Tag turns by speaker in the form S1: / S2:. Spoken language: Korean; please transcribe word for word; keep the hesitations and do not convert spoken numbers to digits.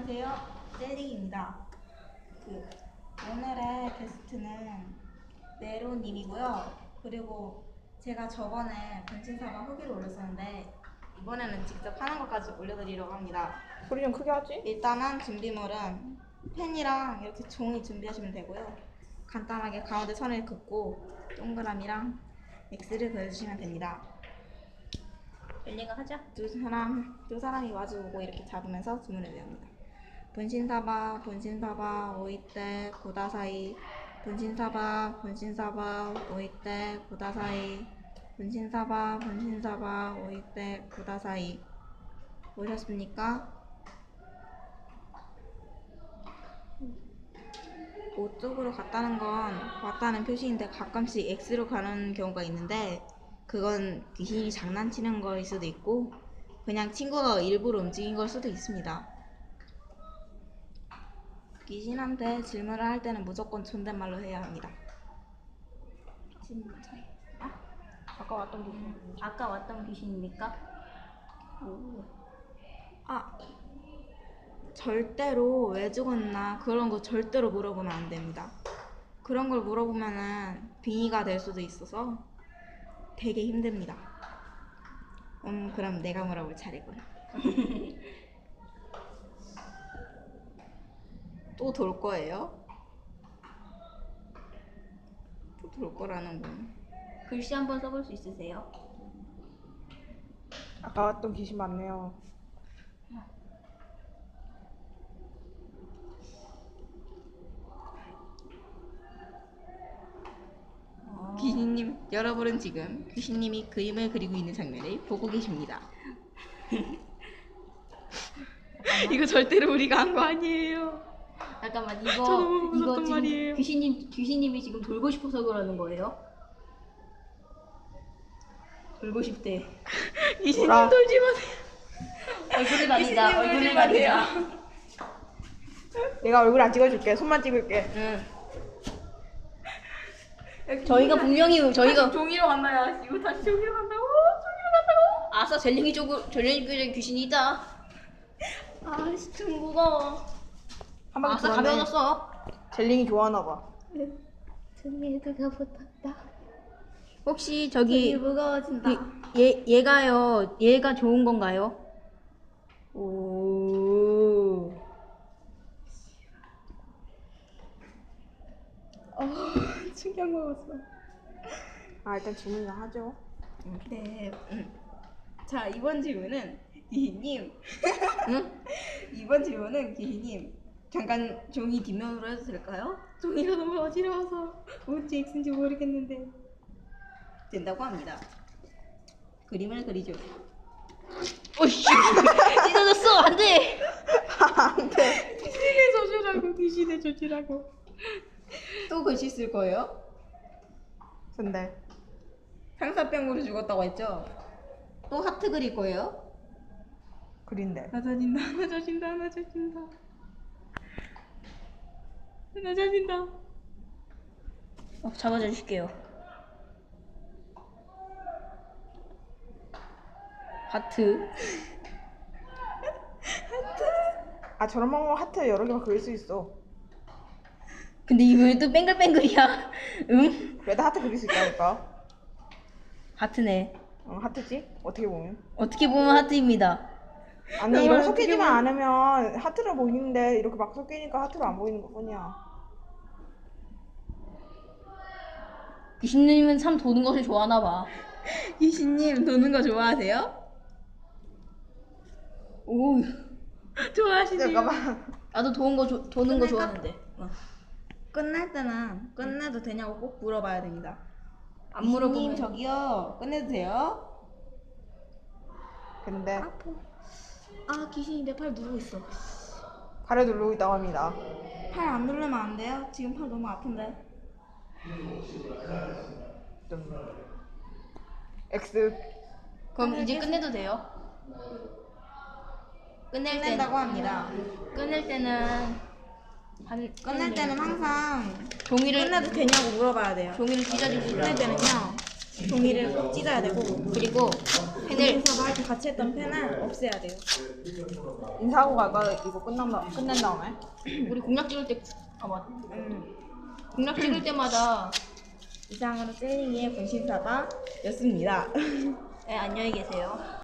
S1: 안녕하세요. 젤리입니다. 그 오늘의 게스트는 네로님이고요. 그리고 제가 저번에 변신사바 후기를 올렸었는데 이번에는 직접 하는 것까지 올려드리려고 합니다.
S2: 소리 좀 크게 하지?
S1: 일단은 준비물은 펜이랑 이렇게 종이 준비하시면 되고요. 간단하게 가운데 선을 긋고 동그라미랑 X를 그려주시면 됩니다.
S3: 젤리가 하자.
S1: 두 사람, 두 사람이 마주보고 이렇게 잡으면서 주문을 외웁니다. 분신사바, 분신사바, 오이떼, 고다사이. 분신사바, 분신사바, 오이떼, 고다사이. 분신사바, 분신사바, 오이떼, 고다사이. 보셨습니까? 오 쪽으로 갔다는 건 왔다는 표시인데 가끔씩 X로 가는 경우가 있는데 그건 귀신이 장난치는 거일 수도 있고 그냥 친구가 일부러 움직인 걸 수도 있습니다. 귀신한테 질문을 할 때는 무조건 존댓말로 해야 합니다. 질문 잘. 아?
S2: 아까 왔던 귀신.
S3: 아까 왔던 귀신입니까?
S1: 오. 아, 절대로 왜 죽었나 그런 거 절대로 물어보면 안 됩니다. 그런 걸 물어보면은 빙의가 될 수도 있어서 되게 힘듭니다. 음, 그럼 내가 물어볼 차례군. 또 돌 거예요? 또 돌 거라는군.
S3: 글씨 한번 써볼 수 있으세요?
S2: 아까 왔던 귀신 맞네요.
S1: 귀신님, 여러분은 지금 귀신님이 그림을 그리고 있는 장면을 보고 계십니다. 이거 절대로 우리가 한 거 아니에요.
S3: 잠깐만
S1: 저
S3: 이거
S1: 너무
S3: 이거
S1: 무섭단
S3: 지금
S1: 말이에요.
S3: 귀신님 귀신님이 지금 돌고 싶어서 그러는 거예요? 돌고 싶대.
S1: 귀신님
S2: 뭐라?
S1: 돌지 마세요.
S3: 얼굴을 가리자.
S1: 귀신님
S3: 얼굴을
S1: 돌지
S3: 가리자.
S1: 마세요.
S2: 내가 얼굴 안 찍어줄게. 손만 찍을게.
S3: 응. 저희가 분명히 저희가
S1: 종이로 간다야. 이거 다시 종이로 간다고? 종이로 간다고?
S3: 아싸 젤링이 쪽으로 젤링이 쪽에 귀신이 있다. 아씨 좀 무거워.
S2: 한 바퀴
S3: 아싸
S2: 돌았네.
S3: 가벼워졌어.
S2: 젤링이 좋아하나 봐.
S3: 등에다가 붙었다. 혹시 저기
S1: 무거워진다.
S3: 그, 얘 얘가요. 얘가 좋은 건가요? 오.
S1: 어, 충격 먹었어.
S2: 아 일단 질문이나 하죠.
S1: 네. 음. 자, 이번 질문은 기희님.
S3: 응?
S1: 이번 질문은 기희님. 잠깐 종이 뒷면으로 해도 될까요? 종이가 너무 어지러워서 뭔지 X인지 모르겠는데 된다고 합니다. 그림을 그리죠.
S3: 오씨 찢어졌어 안돼.
S2: 안돼.
S1: 귀신의 저주라고 귀신의 저주라고. 또 글씨 쓸 거예요?
S2: 근데
S1: 상사병으로 죽었다고 했죠? 또 하트 그릴 거예요?
S2: 그린데.
S1: 나 젖인다, 나 젖인다, 나 젖인다. 나 젖인다.
S3: 어, 잡아줘 줄게요. 하트.
S2: 아 저런 방법 하트 여러 개만 그릴 수 있어.
S3: 근데 이거 왜 또 뱅글뱅글이야? 응?
S2: 그래도 하트 그릴 수 있다니까.
S3: 하트네.
S2: 어 하트지? 어떻게 보면.
S3: 어떻게 보면 하트입니다.
S2: 아니
S1: 정말
S2: 이걸
S1: 어떻게
S2: 섞이지만
S1: 보면-
S2: 않으면 하트로 보이는데 이렇게 막 섞이니까 하트로 안 보이는 것뿐이야.
S3: 귀신님은 참 도는 것을 좋아하나 봐.
S1: 귀신님 도는 거 좋아하세요?
S3: 오.
S1: 좋아하시네요.
S2: 잠깐만.
S3: 나도 도는 거 조, 도는 거
S1: 끝낼까?
S3: 좋아하는데. 어.
S1: 끝날 때는 끝내도 되냐고 꼭 물어봐야 됩니다.
S3: 안
S1: 귀신님
S3: 물어보면
S1: 저기요 끝내도 돼요?
S2: 근데
S1: 아파. 아 귀신이 내 팔 누르고 있어.
S2: 팔을 누르고 있다고 합니다.
S1: 팔 안 누르면 안 돼요? 지금 팔 너무 아픈데.
S2: 좀 X.
S3: 그럼 이제 끝내도 돼요? 끝낼 때
S1: 끝낸다고 합니다.
S3: 끝낼 때는 한
S1: 끝낼 때는 항상
S3: 종이를
S1: 끝내도 되냐고 물어봐야 돼요.
S3: 종이를 찢어줍시다.
S1: 끝낼 때는요 종이를 꼭 찢어야 되고
S3: 그리고 펜을
S1: 인사도 할 때 같이 했던 펜을 없애야 돼요.
S2: 인사하고 갈까? 이거 끝난 다 끝낸 다음에.
S3: 우리 공략 찍을 때 아 맞.
S1: 음,
S3: 공략 찍을 때마다
S1: 이상으로 젤링이의 분신사바였습니다.
S3: 네, 안녕히 계세요.